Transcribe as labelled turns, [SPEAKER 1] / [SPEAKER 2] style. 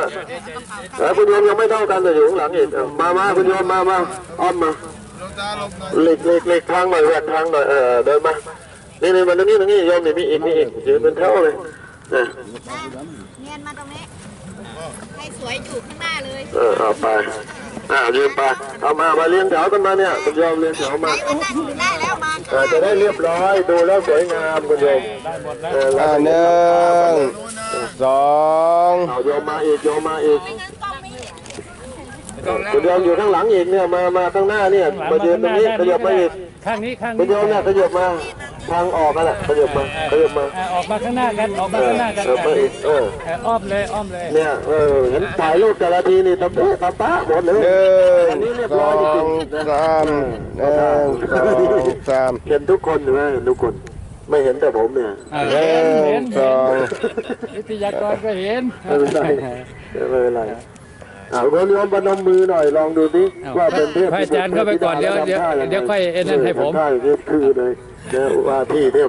[SPEAKER 1] คุณโยมยังไม่เท่ากันแต่อยู่ข้างหลังอีกมาคุณโยมมาอ้อมมาเล็กทางหน่อยแหวกทางหน่อยเดินมานี่มาตรงนี้โยมนี่มีอีกยืนเป็นเท่าเลย
[SPEAKER 2] เนียนมาตรงนี้ให้สวยอยู่ข้างหน้าเลย
[SPEAKER 1] เอาไปยืนไปเอามาเลี้ยงแถวกันมาเนี่ยคุณโยมเลี้ยงแถวมา
[SPEAKER 2] ได้แล้วมา
[SPEAKER 1] จะได้เรียบร้อยดูแล้วสวยงามคุณโยม
[SPEAKER 3] หนึ่งสอง
[SPEAKER 1] โยมมาอีกคุณโยมอยู่ข้างหลังอีกเนี่ยมาข้างหน้าเนี่ยมายืนตรงนี้ขยับมาอีก
[SPEAKER 4] ข้างนี้
[SPEAKER 1] คุณโยมเนี่ยขยับมาทางออกกันแหละขยับมา
[SPEAKER 4] ออกมาข้างหน้ากันออกมาข้างหน้ากันอ้อมเลย
[SPEAKER 1] เนี่ยเห็นถ่ายรูปแต่ละทีนี่ตะป๊ะหมดเลยอันนี้เรียบร้อยจริงๆ
[SPEAKER 3] สาม
[SPEAKER 1] เห็นทุกคนไหมทุกคนไม่เห็นแต่ผมเนี่ย
[SPEAKER 4] เห็น
[SPEAKER 3] สอง
[SPEAKER 4] วิทยากรก็เห็น
[SPEAKER 1] ไม่เป็นไรคุณโยมพนมมือหน่อยลองดูสิว่าเป็นเทพ
[SPEAKER 4] พระอาจารย์เข้าไปก่อนเดี๋ยวค่อยเอ็นนั่นให้ผม
[SPEAKER 1] ใช่คือเลยว่าที่เทพ